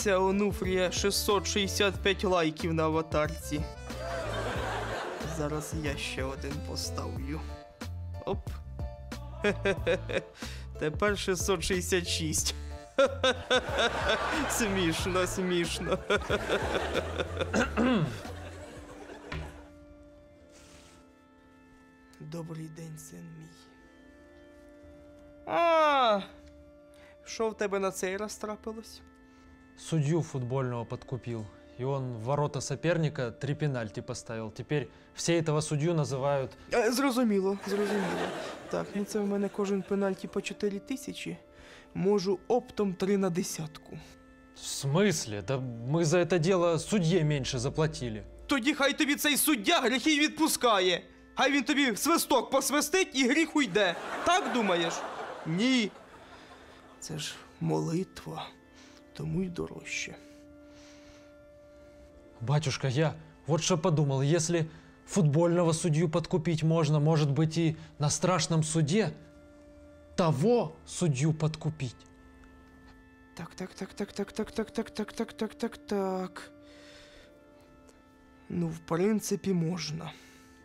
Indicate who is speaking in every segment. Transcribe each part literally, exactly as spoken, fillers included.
Speaker 1: Дивіться, Онуфрія, шістсот шістдесят п'ять лайків на аватарці. Зараз я ще один поставлю. Оп. Хе-хе-хе. Тепер шістсот шістдесят шість. Смішно, смішно. Добрий день, син мій. А, що в тебе на цей раз трапилось?
Speaker 2: Судью футбольного подкупил. И он в ворота соперника три пенальти поставил. Теперь все этого судью называют...
Speaker 1: Е, Зрозуміло, зрозуміло. Так, ну це в мене кожен пенальті по чотири тисячі. Можу оптом три на десятку.
Speaker 2: В смысле? Да мы за это дело судье меньше заплатили.
Speaker 1: Тоді хай тобі цей суддя гріхи й відпускає. Хай він тобі свисток посвистить і гріх уйде. Так думаєш? Ні. Це ж молитва, тому й дорожче.
Speaker 2: Батюшка, я вот что подумал. Если футбольного судью подкупить можно, может быть и на страшном суде того судью подкупить.
Speaker 1: Так, так, так, так, так, так, так, так, так, так, так, так, так. Ну, в принципі, можна.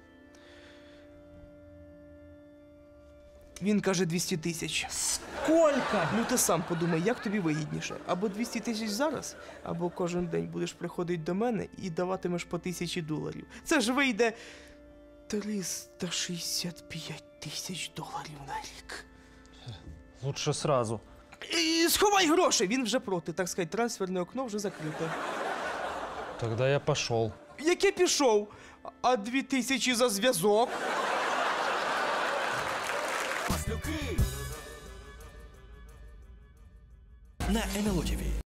Speaker 1: Він каже двісті тисяч.
Speaker 2: Сколько?
Speaker 1: Ну ти сам подумай, як тобі вигідніше. Або двісті тисяч зараз, або кожен день будеш приходити до мене і даватимеш по тисячі доларів. Це ж вийде триста шістдесят п'ять тисяч доларів на рік.
Speaker 2: Лучше сразу.
Speaker 1: І сховай гроші, він вже проти, так сказати, трансферне окно вже закрите.
Speaker 2: Тогда я пошел.
Speaker 1: Яке пішов? А дві тисячі за зв'язок?
Speaker 3: На ен ел о ті ві.